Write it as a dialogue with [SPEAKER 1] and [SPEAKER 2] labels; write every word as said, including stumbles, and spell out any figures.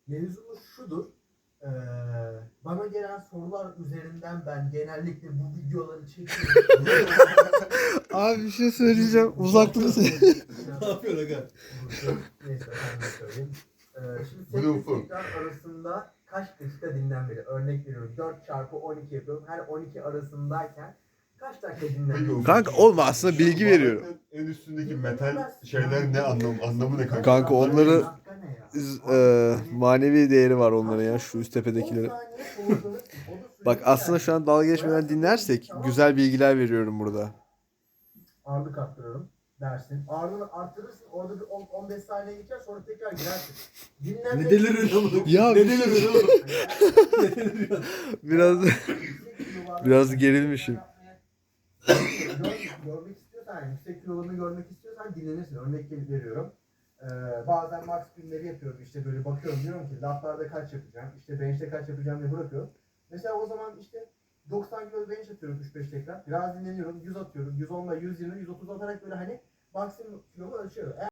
[SPEAKER 1] Mevzumuz şudur. Ee, bana gelen sorular üzerinden ben genellikle bu videoları çekiyorum.
[SPEAKER 2] Abi bir şey söyleyeceğim. Uzakta mısın?
[SPEAKER 3] Ne yapıyorsun aga?
[SPEAKER 1] Neyse ben de söyleyeyim. Ee, şimdi
[SPEAKER 4] Bu da
[SPEAKER 1] set ve
[SPEAKER 4] ufak.
[SPEAKER 1] tekrar arasında kaç dakika dinlenmeli? Örnek veriyorum. dört çarpı on iki yapıyorum. Her on iki arasındayken kaç dakika dinlenmeli?
[SPEAKER 2] Kanka oğlum aslında bilgi veriyorum.
[SPEAKER 4] En üstündeki metal şeyler ne anlam anlamı ne kanka?
[SPEAKER 2] Kanka onları-
[SPEAKER 1] Dakika ne ya?
[SPEAKER 2] Biz, e, manevi değeri var onların ya, şu üst tepedekilerin. Bak aslında şu an dalga geçmeden dinlersek güzel bilgiler veriyorum burada.
[SPEAKER 1] Ağırlık arttırıyorum dersin. Ağırlığını arttırırsın. Orada bir on on beş saniye geçer sonra tekrar girersin. Dinlenme.
[SPEAKER 3] Ne deliriyorsun oğlum?
[SPEAKER 2] Ya
[SPEAKER 3] Ne
[SPEAKER 2] bir-
[SPEAKER 3] deliriyorsun oğlum? Ne deliriyorsun?
[SPEAKER 2] Biraz biraz gerilmişim.
[SPEAKER 1] Gör- görmek istiyorsan, yani yüksek kilolarını görmek istiyorsan dinlenirsin. Örnek veriyorum. Ee, bazen max günleri yapıyorum. İşte böyle bakıyorum, diyorum ki latlarda kaç yapacağım, işte bench'te kaç yapacağım diye bırakıyorum. Mesela o zaman işte doksan kilo bench atıyorum üç beş tekrar. Biraz dinleniyorum, yüz atıyorum. yüz on ile yüz yirmi, yüz otuz atarak böyle hani maksimum kilomu ölçüyorum. Eğer